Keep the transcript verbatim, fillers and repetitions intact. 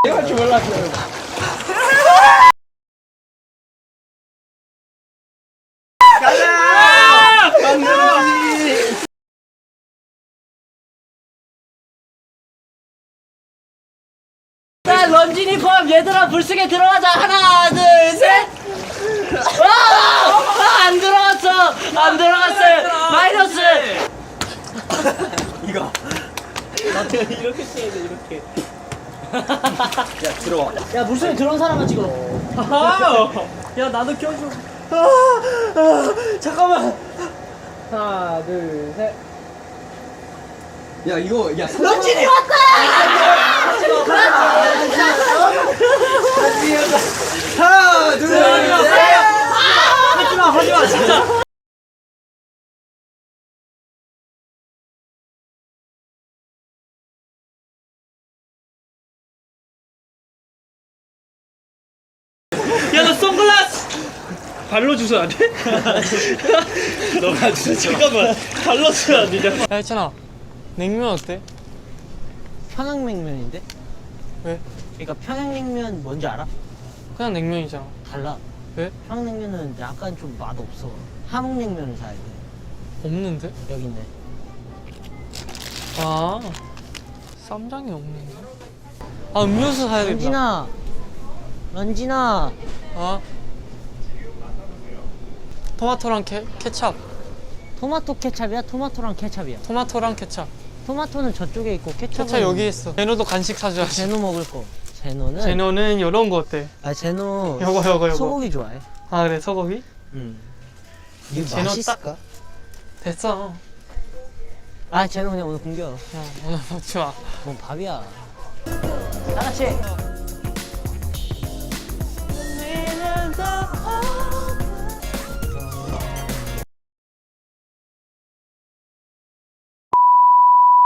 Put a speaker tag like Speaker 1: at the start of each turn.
Speaker 1: 내가 할 줄 몰랐어요. 가자! 강준이!
Speaker 2: 자, 런쥔이 포함 얘들아 불쑥에 들어가자. 하나, 둘, 셋. 와! 아, 안 들어갔어. 안 들어갔어요. 마이너스.
Speaker 1: 이거. 나한테 이렇게 쳐야 돼, 이렇게. 야, 들어와.
Speaker 2: 야, 물속에 들어온 사람만 찍어.
Speaker 1: 야, 나도 껴줘. 아, 아, 잠깐만.
Speaker 2: 하나, 둘, 셋.
Speaker 1: 야, 이거, 야,
Speaker 2: 런쥔이 왔다!
Speaker 1: 하나, 둘, 셋.
Speaker 2: 하지마, 하지마, 진짜.
Speaker 3: 야, 너 선글라스! 발로 주면 안 돼? 너가 주면 잠깐만. 발로 주면 안 되냐? 야, 했잖아. 냉면 어때?
Speaker 2: 평양냉면인데?
Speaker 3: 왜?
Speaker 2: 그러니까 평양냉면 뭔지 알아?
Speaker 3: 그냥 냉면이잖아.
Speaker 2: 달라.
Speaker 3: 왜?
Speaker 2: 평양냉면은 약간 좀 맛없어. 함흥냉면을 사야 돼.
Speaker 3: 없는데?
Speaker 2: 여기 있네.
Speaker 3: 아, 쌈장이 없는데? 아, 음료수 사야겠다.
Speaker 2: 런쥔아. 런쥔아.
Speaker 3: 아. 토마토랑 케, 케찹.
Speaker 2: 토마토 케찹이야? 토마토랑 케찹이야?
Speaker 3: 토마토랑 케찹.
Speaker 2: 토마토는 저쪽에 있고 케찹은
Speaker 3: 케찹 여기 있어. 제노도 간식 사줘야지.
Speaker 2: 제노 먹을 거. 제노는
Speaker 3: 제노는 이런 거 어때?
Speaker 2: 아 제노
Speaker 3: 요거, 요거, 요거.
Speaker 2: 소고기 좋아해.
Speaker 3: 아, 그래, 소고기?
Speaker 2: 응. 이게
Speaker 3: 제노
Speaker 2: 맛있을까?
Speaker 3: 됐어.
Speaker 2: 아 제노 그냥 오늘 굶겨.
Speaker 3: 야, 오늘 먹지 마.
Speaker 2: 뭐 밥이야. 다 같이.